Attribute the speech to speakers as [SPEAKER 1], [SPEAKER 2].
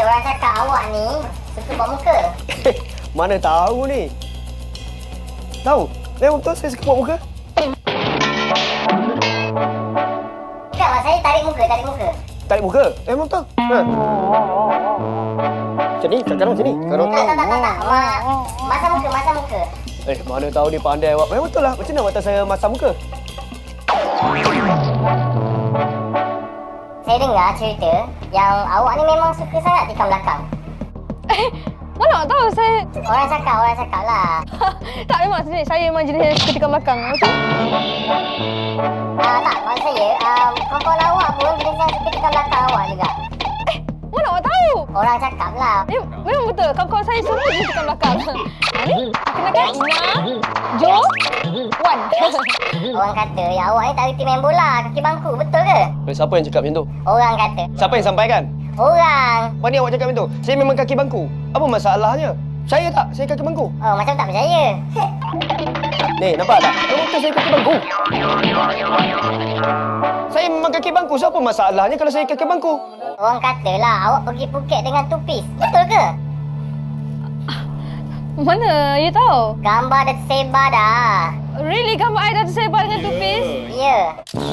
[SPEAKER 1] orang cakap awak ni suka buat muka.
[SPEAKER 2] Mana tahu ni? Tahu? Memang betul saya suka buat muka.
[SPEAKER 1] Tak, mak saya tarik muka.
[SPEAKER 2] Tarik muka? Memang betul. Ha. Macam ni, sekarang macam ni. Sekarang.
[SPEAKER 1] Tak. Masam muka.
[SPEAKER 2] Mana tahu dia pandai awak. Memang betul lah. Macam mana awak tahu saya masam muka?
[SPEAKER 1] Saya dengar cerita yang awak ni memang suka sangat tikam belakang.
[SPEAKER 3] Mana awak tahu saya...
[SPEAKER 1] Orang cakap lah.
[SPEAKER 3] Tak, memang sebenarnya saya memang jenis yang suka tikam belakang. Betul?
[SPEAKER 1] Tak, maksud saya, kawan-kawan awak pun jenis yang suka tikam belakang awak juga.
[SPEAKER 3] Mana awak tahu?
[SPEAKER 1] Orang cakap lah.
[SPEAKER 3] Memang betul. Kawan-kawan saya semua jenis tikam belakang. Ni, kenalkan Jo, Wan.
[SPEAKER 1] Orang kata yang awak ni tak reti main bola, kaki bangku. Betul ke?
[SPEAKER 2] Siapa yang cakap macam tu?
[SPEAKER 1] Orang kata.
[SPEAKER 2] Siapa yang sampaikan?
[SPEAKER 1] Orang.
[SPEAKER 2] Mana awak cakap macam tu? Saya memang kaki bangku. Apa masalahnya? Saya tak. Saya kaki bangku.
[SPEAKER 1] Oh, macam tak percaya.
[SPEAKER 2] Ni, nampak tak? Memang betul saya kaki bangku. Saya memang kaki bangku. So, apa masalahnya kalau saya kaki bangku?
[SPEAKER 1] Orang katalah awak pergi Phuket dengan tupis. Betul ke?
[SPEAKER 3] Mana you tahu?
[SPEAKER 1] Gambar dah tersebar dah.
[SPEAKER 3] Really, gambar I dah tersebar dengan tupis?
[SPEAKER 1] Ya.